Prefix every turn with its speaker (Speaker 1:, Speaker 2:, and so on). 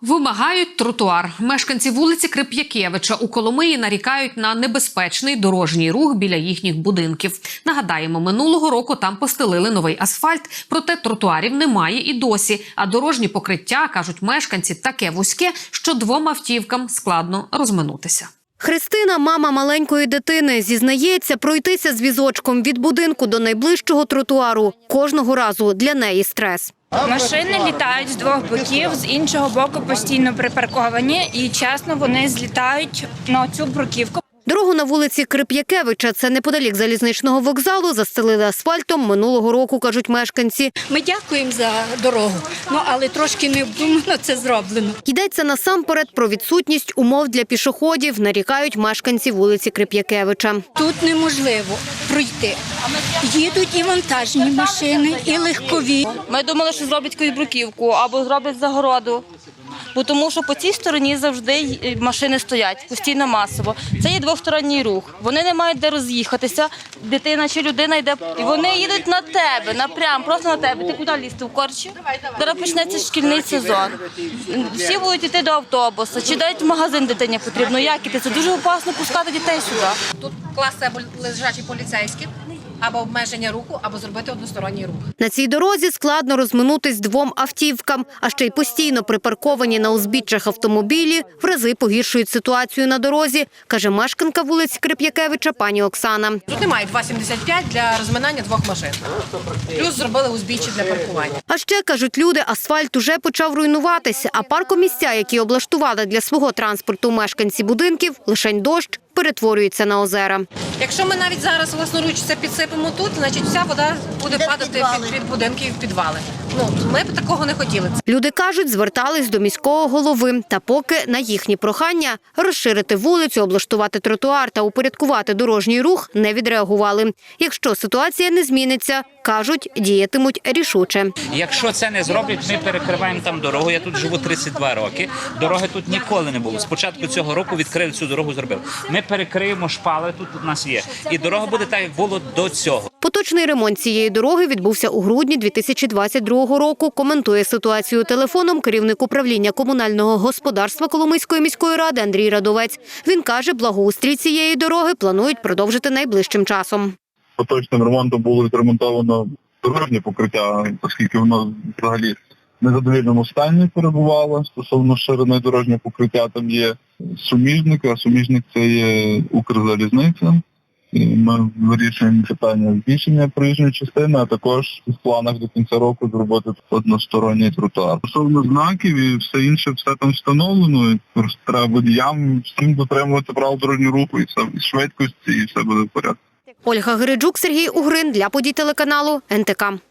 Speaker 1: Вимагають тротуар. Мешканці вулиці Крип'якевича у Коломиї нарікають на небезпечний дорожній рух біля їхніх будинків. Нагадаємо, минулого року там постелили новий асфальт, проте тротуарів немає і досі. А дорожні покриття, кажуть мешканці, таке вузьке, що двом автівкам складно розминутися.
Speaker 2: Христина, мама маленької дитини, зізнається, пройтися з візочком від будинку до найближчого тротуару кожного разу для неї стрес.
Speaker 3: Машини літають з двох боків, з іншого боку постійно припарковані і, чесно, вони злітають на цю бруківку.
Speaker 2: Дорогу на вулиці Крип'якевича, це неподалік залізничного вокзалу, застелили асфальтом минулого року, кажуть мешканці.
Speaker 4: Ми дякуємо за дорогу, але трошки необдумано це зроблено.
Speaker 2: Йдеться насамперед про відсутність умов для пішоходів, нарікають мешканці вулиці Крип'якевича.
Speaker 4: Тут неможливо пройти. Їдуть і вантажні машини, і легкові.
Speaker 5: Ми думали, що зроблять якусь бруківку або зроблять загороду. Тому що по цій стороні завжди машини стоять, постійно масово. Це є двосторонній рух. Вони не мають де роз'їхатися, дитина чи людина йде, і вони їдуть на тебе, напрям, просто на тебе. Ти куди лізти, в корчі? Зараз почнеться шкільний сезон. Всі будуть йти до автобуса, чи навіть в магазин дитині потрібно. Як іти? Це дуже опасно пускати дітей сюди.
Speaker 6: Тут класти або лежачі поліцейські, або обмеження руху, або зробити односторонній рух.
Speaker 2: На цій дорозі складно розминутись двом автівкам, а ще й постійно припарковані на узбіччях автомобілі в рази погіршують ситуацію на дорозі, каже мешканка вулиці Крип'якевича пані Оксана.
Speaker 6: Тут немає 2,75 для розминання двох машин. Плюс зробили узбіччя для паркування.
Speaker 2: А ще, кажуть люди, асфальт уже почав руйнуватися, а паркомісця, які облаштували для свого транспорту мешканці будинків, лишень дощ перетворюється на озера.
Speaker 6: Якщо ми навіть зараз власноруч це підсипемо тут, значить вся вода буде падати під будинки і в підвали. Ми б такого не хотіли.
Speaker 2: Люди кажуть, звертались до міського голови. Та поки на їхні прохання розширити вулицю, облаштувати тротуар та упорядкувати дорожній рух не відреагували. Якщо ситуація не зміниться, кажуть, діятимуть рішуче.
Speaker 7: Якщо це не зроблять, ми перекриваємо там дорогу. Я тут живу 32 роки. Дороги тут ніколи не було. Спочатку цього року відкрили цю дорогу, зробили. Ми перекриємо шпали, тут у нас є. І дорога буде так, як було до цього.
Speaker 2: Поточний ремонт цієї дороги відбувся у грудні 2022 року. Коментує ситуацію телефоном керівник управління комунального господарства Коломийської міської ради Андрій Радовець. Він каже, благоустрій цієї дороги планують продовжити найближчим часом.
Speaker 8: Поточним ремонтом було відремонтовано дорожнє покриття, оскільки воно взагалі в незадовільному стані перебувало. Стосовно ширини дорожнього покриття там є суміжник, а суміжник це є Укрзалізниця. І ми вирішуємо питання збільшення проїжджої частини, а також в планах до кінця року зробити односторонній тротуар. Стосовно знаків і все інше, все там встановлено. Просто треба водіям всім дотримувати правил дорожнього руху і швидкості, і все буде в порядку.
Speaker 2: Ольга Гириджук, Сергій Угрин для подій телеканалу НТК.